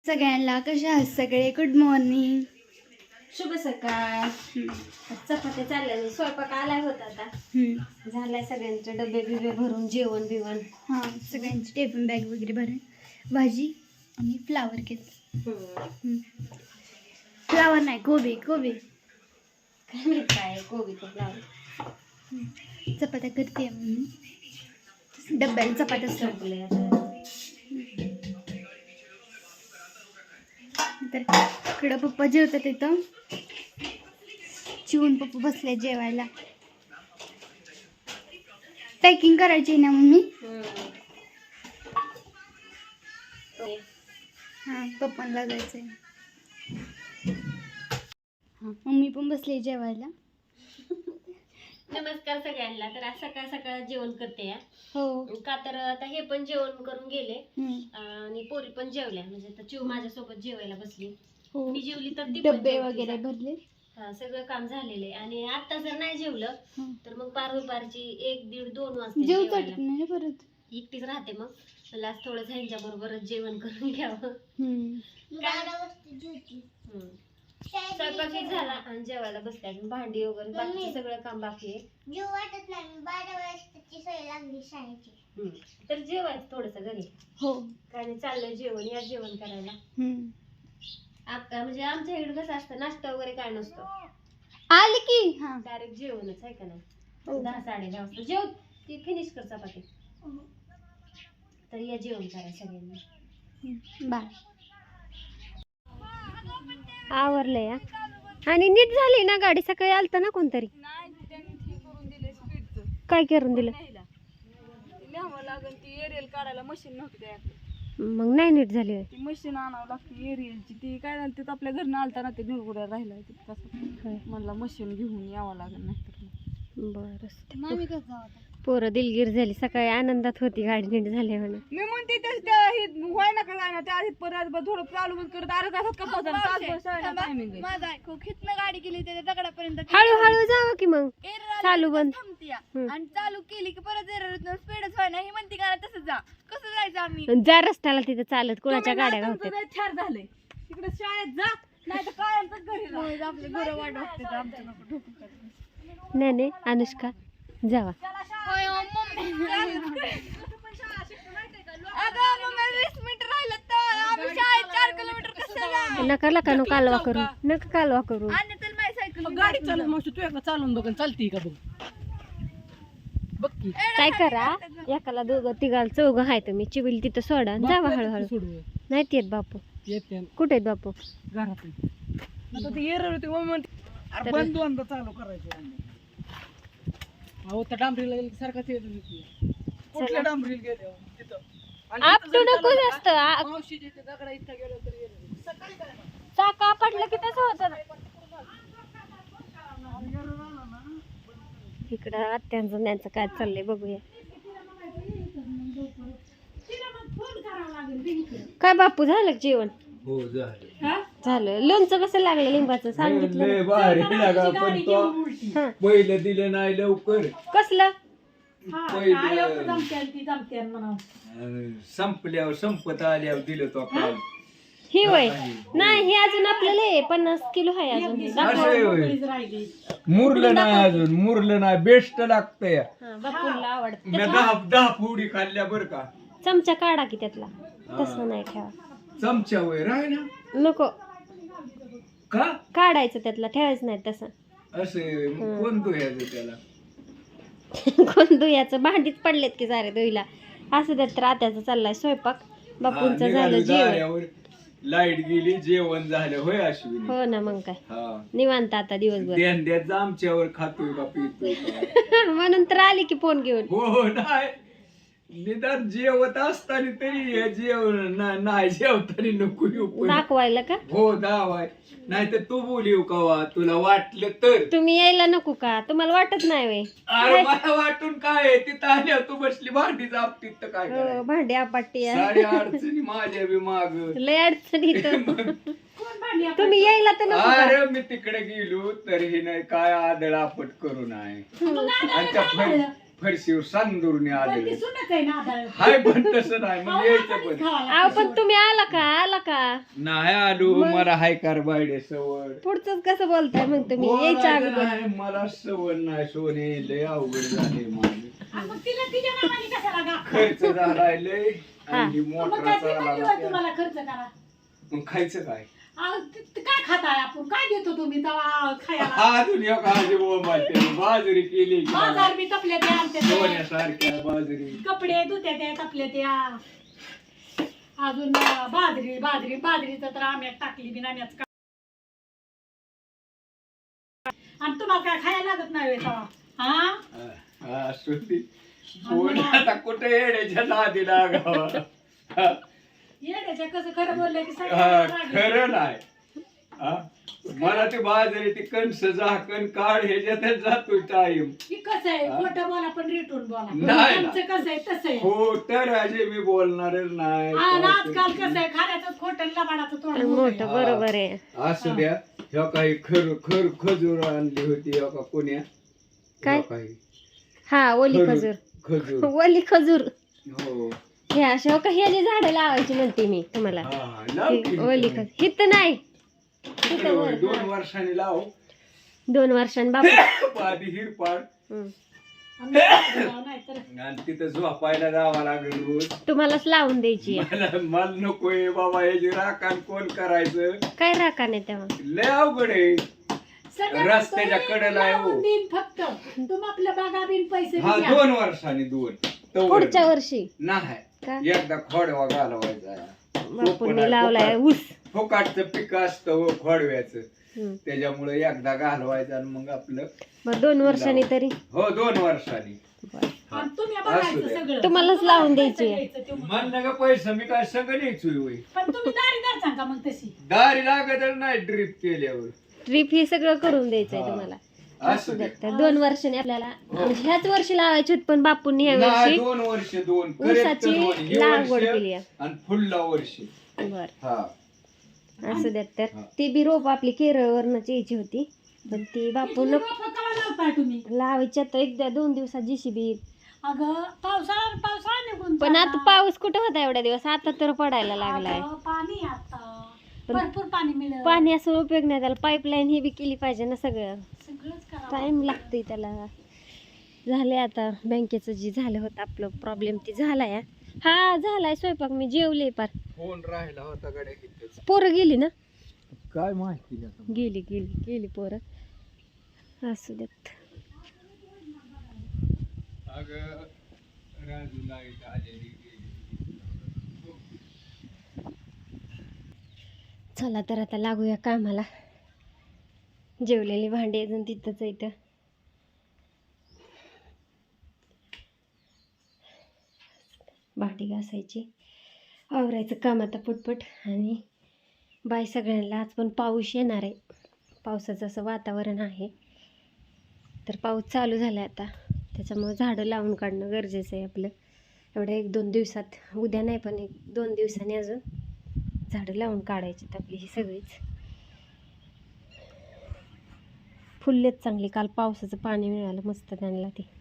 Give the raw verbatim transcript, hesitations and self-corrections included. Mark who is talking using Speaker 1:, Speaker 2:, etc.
Speaker 1: सगळ्यांना कशा आहात सगळे? गुड मॉर्निंग,
Speaker 2: शुभ सकाळ. चपात्या चालल्या, स्वयंपाक आलाय होता आता. झालाय सगळ्यांचे डबे बिबे भरून, जेवण बिवण.
Speaker 1: हां, सगळ्यांची टिफिन बॅग वगैरे भरून भाजी आणि फ्लावर घेतलं. फ्लावर नाही, कोबी कोबी
Speaker 2: काय माहित काय कोबी तो फ्लावर.
Speaker 1: चपात्या करते म्हणून डब्याला चपात्या
Speaker 2: संपले
Speaker 1: तर इकडं पप्पा जेवतात तिथं. चिवून पप्पा बसले जेवायला. पॅकिंग करायची ना मम्मी? हां, पप्पांना जायचंय. हां, मम्मी पण बसली जेवायला.
Speaker 2: नमस्कार सगळ्यांना. तर आज सकाळ सकाळ जेवण करते या.
Speaker 1: हो
Speaker 2: का तर आता हे पण जेवण करून गेले
Speaker 1: हम्म.
Speaker 2: आणि पोरी पण जेवल्या. म्हणजे आता चिव माझ्यासोबत जेवायला बसली.
Speaker 1: हो,
Speaker 2: मी जेवली तर ती पण
Speaker 1: डब्बे
Speaker 2: जेवली.
Speaker 1: वगैरे भरले.
Speaker 2: हा, सगळं काम झालेलं आहे. आणि आता जर नाही जेवलं
Speaker 1: हं.
Speaker 2: तर मग पार दुपारची एक दीड दोन वाजता
Speaker 1: जेवतात
Speaker 2: जेवायला.
Speaker 1: नाही परत.
Speaker 2: एकटीच राहते मग. मला आज थोडं ह्यांच्या बरोबरच जेवण करून घ्यावं.
Speaker 1: हम्म.
Speaker 2: हम्म. स्वयंपाकी झाला आणि जेवायला बसते. अजून भांडी वगैरे बाकीचं सगळं काम बाकी आहे.
Speaker 3: जेव वाटत नाही, बारा वाजताची सवय लागली शाळेची.
Speaker 2: हम्म. तर जेवायचं थोडस घरी.
Speaker 1: हो.
Speaker 2: काय नाही, चाललंय जेवण. या जेवण करायला.
Speaker 1: हम्म.
Speaker 2: आप- म्हणजे आमच्या इकडे कसं असतं, नाश्ता वगैरे काय नसतो.
Speaker 1: आली की. हां.
Speaker 2: डायरेक्ट जेवणच आहे का नाही.
Speaker 1: हो.
Speaker 2: दहा साडे दहा वाजता जेव. ती फिनिश कर चपाती. तर या जेवण करायला सगळ्यांनी.
Speaker 1: बाय.
Speaker 2: आवरलं या. आणि नीट झाली ना गाडी? सकाळी आलता ना कोणतरी? काय करून दिलं?
Speaker 4: काढायला मशीन नव्हती त्याकडे.
Speaker 2: मग नाही नीट झाली.
Speaker 4: ती मशीन आणावं लागते एरियलची. ती काय झालं तिथं आपल्या घरनं आलता ना, ते निरगुड्या राहिला कसं म्हणला मशीन घेऊन यावं लागेल. नाही तर
Speaker 2: बरं.
Speaker 1: मामी कसं जाऊ?
Speaker 2: पोरं दिलगीर झाली. सकाळी आनंदात होती गाडी नीट झाली म्हणून.
Speaker 4: मी म्हणते त्याच त्या हे व्हाय ना का जायना त्या आधी परत ब- थोडं चालू बंद करत अर्धा तासात का पोहोचायला टायमिंग आहे.
Speaker 1: माझा ऐकू खितनं गाडी केली त्याच्या दगडापर्यंत
Speaker 2: हळूहळू जावं की मग. चालू बंद.
Speaker 1: थांबतीया
Speaker 2: हम्म.
Speaker 1: आणि चालू केली की परत स्पीडच व्हाय ना. ही म्हणते का तसं जा. कसं जायचं आम्ही?
Speaker 2: जा रस्त्याला तिथे चालत कुणाच्या
Speaker 4: तुम्ही
Speaker 2: गाड्या
Speaker 4: ना
Speaker 2: गावतात.
Speaker 4: तुमचं लय छान झालंय. तिकडे शाळेत जा, नाही तर कायमच घरी राहा.
Speaker 1: आपले घर वाट बघते आमच्या नको ढोकून काढते.
Speaker 2: नाही नाही, अनुष्का जावा.
Speaker 1: होय, हो, मम्मी. अगं मम्मी, वीस मिनिट राहिलं तर आम्ही शाळेत चार किलोमीटर कसं जा?
Speaker 2: नका नका नो कालवा करू. नका कालवा करू.
Speaker 1: आणि तर माझी सायकल
Speaker 4: गाडी चालून मग तू एकदा चालून बघ चालती का बघ. बघ की
Speaker 2: काय करा, एकाला दोघं तिघाला चौघं आहे तुम्ही. चिबिल तिथं सोडा आणि जावा हळूहळू.
Speaker 4: सोडू
Speaker 2: नाहीत येत बापू.
Speaker 4: येते
Speaker 2: कुठे आहेत बापू?
Speaker 4: घरात. आता ते एरर होते मग म्हणते अरे बंद दोनदा चालू करायचं. अहो त्या डांबरीला गेलं की सारखा ते कुठल्या डांबरीला गेले तिथं
Speaker 2: आप टू नको जास्त. आ-
Speaker 4: मावशीच्या इथे दगडा इथं गेलो तरी error. सकाळी काय ना
Speaker 2: चाका पडलं की तसं होतं ना. इकडं आत्यांचं त्यांचं काय चाललंय बघूया. काय बापू झालं का जेवण?
Speaker 5: हो झालं.
Speaker 2: झालं. लोणचं कसं लागलं लिंबाचं सांगितलं
Speaker 5: लय भारी लागा पण तो
Speaker 2: हा.
Speaker 5: पहिलं दिलं नाही लवकर.
Speaker 2: कसलं?
Speaker 5: पहिलं अं, संपल्यावर संपत आल्यावर दिलं तो काल.
Speaker 2: ही वय नाही, हे अजून आपल्याला आहे, पन्नास किलो आहे अजून.
Speaker 5: असं आहे होय. मुरलं नाही अजून, मुरलं नाही. बेस्ट लागतंय.
Speaker 2: हा, बापूला आवडतं.
Speaker 5: मी दहा दहा फुडी खाल्ल्या बर का.
Speaker 2: चमचा काढा की त्यातला. तसं नाही ठेवा.
Speaker 5: चमच्या वय राय ना
Speaker 2: नको
Speaker 5: का
Speaker 2: काढायचं त्यातला, ठेवायचं नाही तसं.
Speaker 5: असे कोण धुयाचं त्याला.
Speaker 2: कोण दुयाचं? भांडीच पडलेत की सारे दुईला. असं त्यात तर आत्याचा चाललाय स्वयंपाक. बापूंचं झालं जेवण.
Speaker 5: लाईट गेली, जेवण झालं होय अश्विनी.
Speaker 2: हो ना, मग काय
Speaker 5: हा
Speaker 2: निवांत आता दिवसभर.
Speaker 5: ध्यान द्यायचं आमच्यावर खातोय का पितोय का.
Speaker 2: म्हणून तर आली की फोन घेऊन.
Speaker 5: हो नाही, निदान जेवत असताना तरी हे जेवण ना- नाही जेवताना नको येऊ पण.
Speaker 2: दाखवायला का?
Speaker 5: हो दावाय. नाही तर तू बोलिव कवा तुला वाटलं तर.
Speaker 2: तुम्ही यायला नको का? तुम्हाला वाटत नाही वे?
Speaker 5: अरे मला वाटून काय आहे, तिथं आल्यावर तू बसली भांडी जापतीत तर काय
Speaker 2: हो,
Speaker 5: करायचं?
Speaker 2: भांडी आपट्टी आहे.
Speaker 5: साडे अडचणी माझ्या बी माग.
Speaker 2: लय अडचणी इथं. तुम्ही यायला तर नको का?
Speaker 5: अरे मी तिकडे गेलो तरीही नाही काय आदळ आपट करू नाही. आणि त्या फै- फरशीवर सांदूरने
Speaker 6: पण ती
Speaker 5: आलेलं
Speaker 6: सुनच आहे ना आधार
Speaker 5: हाय पण तसं नाही मग यायचं पण
Speaker 2: अहो पण तुम्ही आला का आला का
Speaker 5: नाही आलो मला हाय कार बायडे सवड
Speaker 2: पुढचंच कसं बोलताय मग तुम्ही यायच्या
Speaker 5: बोलायचं
Speaker 2: अगोदर
Speaker 5: नाही, मला सवड नाही सोने लय अवघड झाले माझे
Speaker 6: मग तिला तिच्या नावाने कशाला गा
Speaker 5: खर्च झालाय लय आणि
Speaker 6: मग
Speaker 5: मोठा
Speaker 6: काय ती म्हणली होय
Speaker 5: चालला
Speaker 6: तुम्हाला खर्च करा
Speaker 5: मग खायचं काय
Speaker 6: अहो, ते- ते काय खाताय आपण काय देतो तुम्ही तेव्हा खायला
Speaker 5: हा दुनिया काळजी बोंबाते बाजरी केली की मला.
Speaker 6: बाजार बी तपले ते आणते ते.
Speaker 5: सोन्यासारख्या बाजरी
Speaker 6: कपडे धुते ते तपले त्या अजून अं, बाजरी बाजरी बाजरीचं तर आम्ही टाकली बी आम्हीच का आणि तुम्हाला काय खायला लागत नाही होय तेव्हा हा
Speaker 5: हा, हा, सुट्टी. कोण आता कुठे येण्याच्या नादी लागावा
Speaker 6: येड्याच्या कसं खरं बोललं की
Speaker 5: हा,
Speaker 6: सगळ्यांना राग येतो.
Speaker 5: खरं नाही हा? मला ते बाजरी ती कणस झाकण काढ ह्याच्यातच जातो टाईम
Speaker 6: की कसं आहे खोटं बोला पण रिटून बोला
Speaker 5: नाही.
Speaker 6: आमचं कसं आहे तसं आहे
Speaker 5: हो तर अजय मी बोलणारच नाही
Speaker 6: आणि आजकाल कसं आहे खाण्याचं खोटं लबाडाचं तोंड मोठं आहे.
Speaker 2: मोठं बरोबर आहे
Speaker 5: असू द्या ह्या काही खर खर खजूर आणली होती ह्या का कोण्या
Speaker 2: काय?
Speaker 5: ह्या काही
Speaker 2: हा ओली
Speaker 5: खजूर
Speaker 2: खजूर
Speaker 5: खजूर
Speaker 2: ओली खजूर
Speaker 5: हो
Speaker 2: हे अशा हो का हे जी झाडं लावायची म्हणते मी तुम्हाला
Speaker 5: हा, लाव
Speaker 2: हे
Speaker 5: की.
Speaker 2: ओली खजूर हित नाही
Speaker 5: तिकडे होय, दोन वर्षांनी लाव
Speaker 2: दोन वर्षांनी बापू
Speaker 5: आधी हिरपाड
Speaker 2: हम्म.
Speaker 6: आम्ही नाही तर
Speaker 5: आणि तिथं झोपायला जावं लागेल रोज
Speaker 2: तुम्हालाच लावून द्यायची आहे.
Speaker 5: मला मला नकोय बाबा याची राखण कोण करायचं
Speaker 2: काय राखा नाही तेव्हा
Speaker 5: लय अवघड आहे
Speaker 6: सगळं
Speaker 5: रस्त्याच्या
Speaker 6: तुम्ही
Speaker 5: कडेला आहे हो.
Speaker 6: लावून देईन फक्त तुम आपल्या बागा बिन पैसे
Speaker 5: हा
Speaker 6: द्या.
Speaker 5: दोन वर्षांनी दोन तवर
Speaker 2: पुढच्या वर्षी
Speaker 5: नाही
Speaker 2: का
Speaker 5: एकदा खोडवा घालवायचा
Speaker 2: बापूंनी लावलाय ऊस
Speaker 5: फुकाटचं पीक असतं हो खोडव्याचं
Speaker 2: हम्म.
Speaker 5: त्याच्यामुळे एकदा घालवायचं आणि मग आपलं
Speaker 2: मग दोन वर्षांनी तरी
Speaker 5: हो दोन वर्षांनी
Speaker 6: आणि तुम्ही
Speaker 5: असू
Speaker 6: बघायचं
Speaker 5: द्या.
Speaker 6: सगळं
Speaker 2: तुम्हालाच लावून द्यायची आहे.
Speaker 6: द्यायचं ते.
Speaker 5: म्हणलं का पैसा मी काय सगळं न्यायचोय होय
Speaker 6: पण तुम्ही दारी द्या सांगा मग तशी
Speaker 5: दारी लागत नाही ड्रीप केल्यावर
Speaker 2: ट्रिप हे सगळं करून द्यायचंय
Speaker 5: हा.
Speaker 2: तुम्हाला
Speaker 5: असू दे
Speaker 2: तर दोन वर्षांनी आपल्याला म्हणजे ह्याच वर्षी लावायचे होते पण बापूंनी ह्या
Speaker 5: नाही,
Speaker 2: वर्षी
Speaker 5: दोन वर्ष दोन correct
Speaker 2: ऊसाची
Speaker 5: दोन. हे
Speaker 2: लागवड
Speaker 5: वर्ष
Speaker 2: केली आहे.
Speaker 5: आणि पुढला वर्ष
Speaker 2: बर
Speaker 5: हा
Speaker 2: असू द्यात तर
Speaker 5: हा.
Speaker 2: ती बी रोप आपली केरळवरनच यायची होती पण ती बापून
Speaker 6: रोपं केव्हा लावताय तुम्ही
Speaker 2: लावायची आता एकदा दोन दिवसात जीसीबी
Speaker 6: अगं पावसाळा पावसाळा निघून
Speaker 2: पण आता
Speaker 6: चालला.
Speaker 2: पाऊस कुठे होता एवढ्या दिवस आता तर पडायला लागलाय
Speaker 6: अगं, पाणी आता
Speaker 2: पण-
Speaker 6: भरपूर पाणी मिळेल
Speaker 2: पाणी असं उपयोग नाही त्याला पाईपलाईन ही बी केली पाहिजे ना सगळं
Speaker 6: सगळंच करा
Speaker 2: टाइम लागतोय त्याला झालंय आता बँकेचं जे झालं होतं आपलं प्रॉब्लेम ते झालाय हा झालाय स्वयंपाक मी जेवले पार
Speaker 5: फोन राहिला होता गड्या कितीच
Speaker 2: पोरं गेली ना
Speaker 5: काय माहिती आता
Speaker 2: गेली गेली गेली पोरं असू देत
Speaker 5: अगं राजू लाईट आलेली गेली.
Speaker 2: चला तर आता लागूया कामाला जेवलेली भांडी अजून तिथंच आहे इथं भांडी घासायची आवरायचं काम आता पटपट आणि बाय सगळ्यांना आज पण पाऊस येणार आहे पावसाचं असं वातावरण आहे तर पाऊस चालू झाला आहे आता त्याच्यामुळे झाडं लावून काढणं गरजेचं आहे आपलं एवढ्या एक दोन दिवसात उद्या नाही पण एक दोन दिवसांनी अजून झाडं लावून काढायची आपली ही सगळीच फुललेत चांगली काल पावसाचं पाणी मिळालं मस्त त्यांना ते